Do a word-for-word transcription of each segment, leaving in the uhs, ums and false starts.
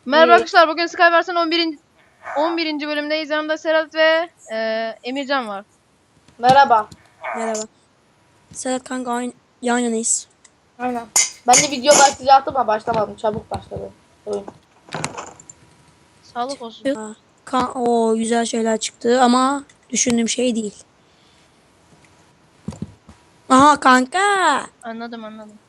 Merhaba İyi. arkadaşlar, bugün Skyverse'ın on birinci. on birinci bölümündeyiz. Yanımda Serhat ve e, Emircan var. Merhaba. Merhaba. Serhat kanka aynı, yan yanayız. Aynen. Ben de video başlayacaktım ama başlamadım. Çabuk başladı. Oyun. Sağlık olsun. Aa, Kan o güzel şeyler çıktı ama düşündüğüm şey değil. Aha kanka. Anladım anladım.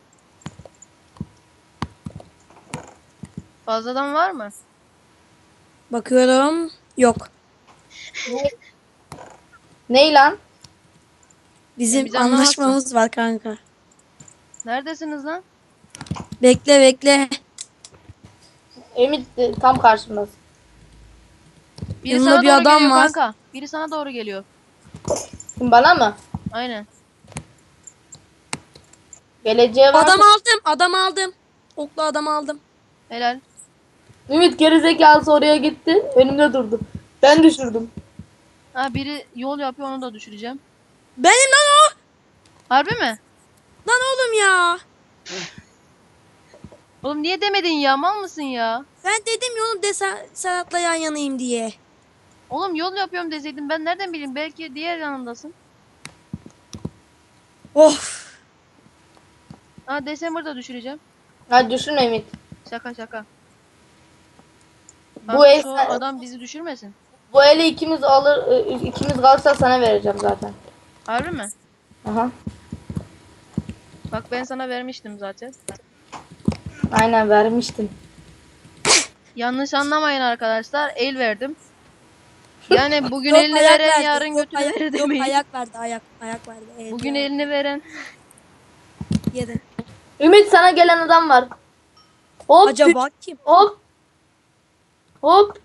Fazladan var mı? Bakıyorum. Yok. Ne? Ney lan? Bizim Biz anlamazsın. anlaşmamız var kanka. Neredesiniz lan? Bekle bekle. Emit de tam karşımdasın. Biri Yanında sana bir doğru adam geliyor var. kanka. Biri sana doğru geliyor. Kim, bana mı? Aynen. Geleceğe var. Adam aldım. Adam aldım. Oklu adam aldım. Helal. Ümit gerizekalısı oraya gitti. Önümde durdu. Ben düşürdüm. Ha, biri yol yapıyor, onu da düşüreceğim. Benim lan o. Harbi mi? Lan oğlum ya. Oğlum niye demedin ya? Mal mısın ya? Ben dedim ya oğlum de Ser- Serhat'la yan yanayım diye. Oğlum yol yapıyorum deseydin ben nereden bileyim? Belki diğer yanındasın. Of. Ha, December'da düşüreceğim. Hadi düşün Emit. Şaka şaka. Bu Kanka, el, şu adam bizi düşürmesin. bu eli ikimiz alır, e, ikimiz kalırsa sana vereceğim zaten. Harbi mi? Aha. Bak ben sana vermiştim zaten. Aynen vermiştin. Yanlış anlamayın arkadaşlar. El verdim. Yani bugün Yok, elini ayak veren verdi. yarın Yok, götünü ayak- verir yok, demeyin. ayak verdi ayak. Ayak verdi. Evet, Bugün ayak. elini veren. Yedi. Ümit sana gelen adam var. Hop. Acaba kim? Hop. Hop.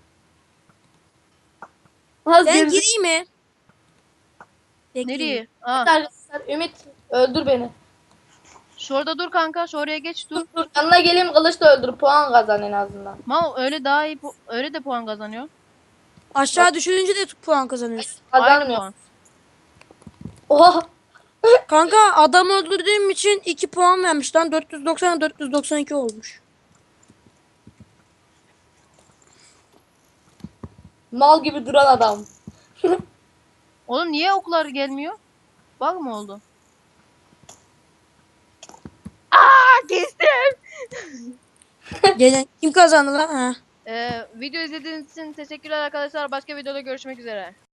Az Ben gerisi- gireyim mi? Bekleyeyim. Nereye? Aa, Arkadaşlar Ümit öldür beni. şurada dur kanka. Şuraya geç dur. Dur dur yanına geleyim kılıçla öldür puan kazan en azından. Mal öyle daha iyi. pu- Öyle de puan kazanıyor. Aşağı düşürünce de puan kazanıyorsun. Aynı Kazanmıyor. puan. Oha. Kanka adam öldürdüğüm için iki puan vermiş lan. dört yüz doksan dört yüz doksan iki olmuş. Mal gibi duran adam. Oğlum niye oklar gelmiyor? Bak mı oldu? Aa, kestim. Gelen kim kazandı lan? Ha. Ee, video izlediğiniz için teşekkürler arkadaşlar. Başka videoda görüşmek üzere.